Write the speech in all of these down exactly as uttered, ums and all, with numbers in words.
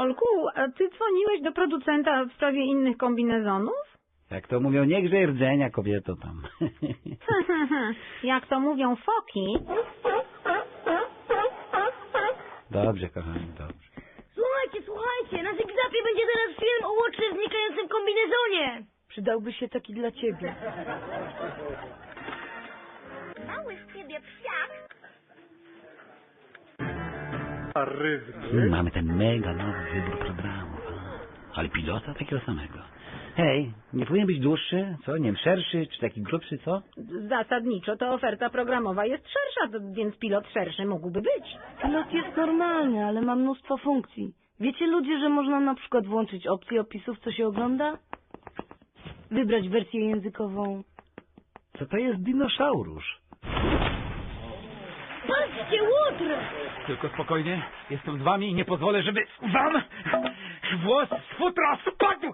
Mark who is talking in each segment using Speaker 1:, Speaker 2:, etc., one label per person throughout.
Speaker 1: Karolku, a ty dzwoniłeś do producenta w sprawie innych kombinezonów?
Speaker 2: Jak to mówią, nie grzej rdzenia, kobieto tam.
Speaker 1: Jak to mówią foki.
Speaker 2: Dobrze, kochani, dobrze.
Speaker 3: Słuchajcie, słuchajcie, na Zygzapie będzie teraz film o łocznie znikającym kombinezonie. Przydałby się taki dla ciebie.
Speaker 4: Mały z ciebie psiak.
Speaker 2: Hmm, mamy ten mega nowy wybór programów. A, ale pilota takiego samego. Hej, nie powinien być dłuższy, co? Nie wiem, szerszy, czy taki grubszy, co?
Speaker 1: Zasadniczo to oferta programowa jest szersza, to- więc pilot szerszy mógłby być.
Speaker 3: Pilot jest normalny, ale ma mnóstwo funkcji. Wiecie ludzie, że można na przykład włączyć opcję opisów, co się ogląda? Wybrać wersję językową.
Speaker 2: Co to jest dinoszaurusz?
Speaker 3: Patrzcie, łotr!
Speaker 5: Tylko spokojnie, jestem z wami i nie pozwolę, żeby wam włos z futra spadł!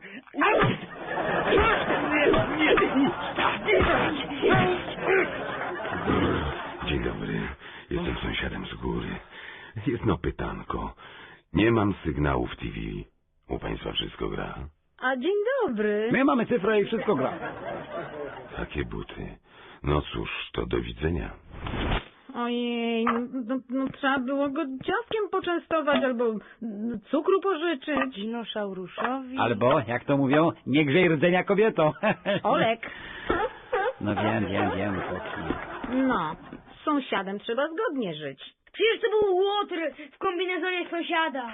Speaker 6: Dzień dobry, jestem sąsiadem z góry. Jedno pytanko. Nie mam sygnału w T V. U państwa wszystko gra?
Speaker 1: A dzień dobry.
Speaker 2: My mamy cyfrę i wszystko gra.
Speaker 6: Takie buty. No cóż, to do widzenia.
Speaker 1: Ojej, no, no, no trzeba było go ciastkiem poczęstować albo no, cukru pożyczyć.
Speaker 3: Dinosauruszowi.
Speaker 2: Albo, jak to mówią, nie grzej rdzenia, kobieto.
Speaker 1: Olek.
Speaker 2: No wiem, wiem, wiem, foki.
Speaker 1: No, z sąsiadem trzeba zgodnie żyć.
Speaker 3: Przecież to był łotr w kombinezonie sąsiada.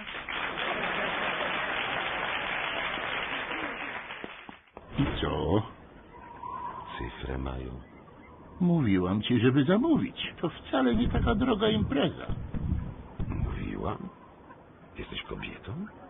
Speaker 7: I co?
Speaker 6: Cyfrę mają.
Speaker 7: Mówiłam ci, żeby zamówić. To wcale nie taka droga impreza.
Speaker 6: Mówiłam? Jesteś kobietą?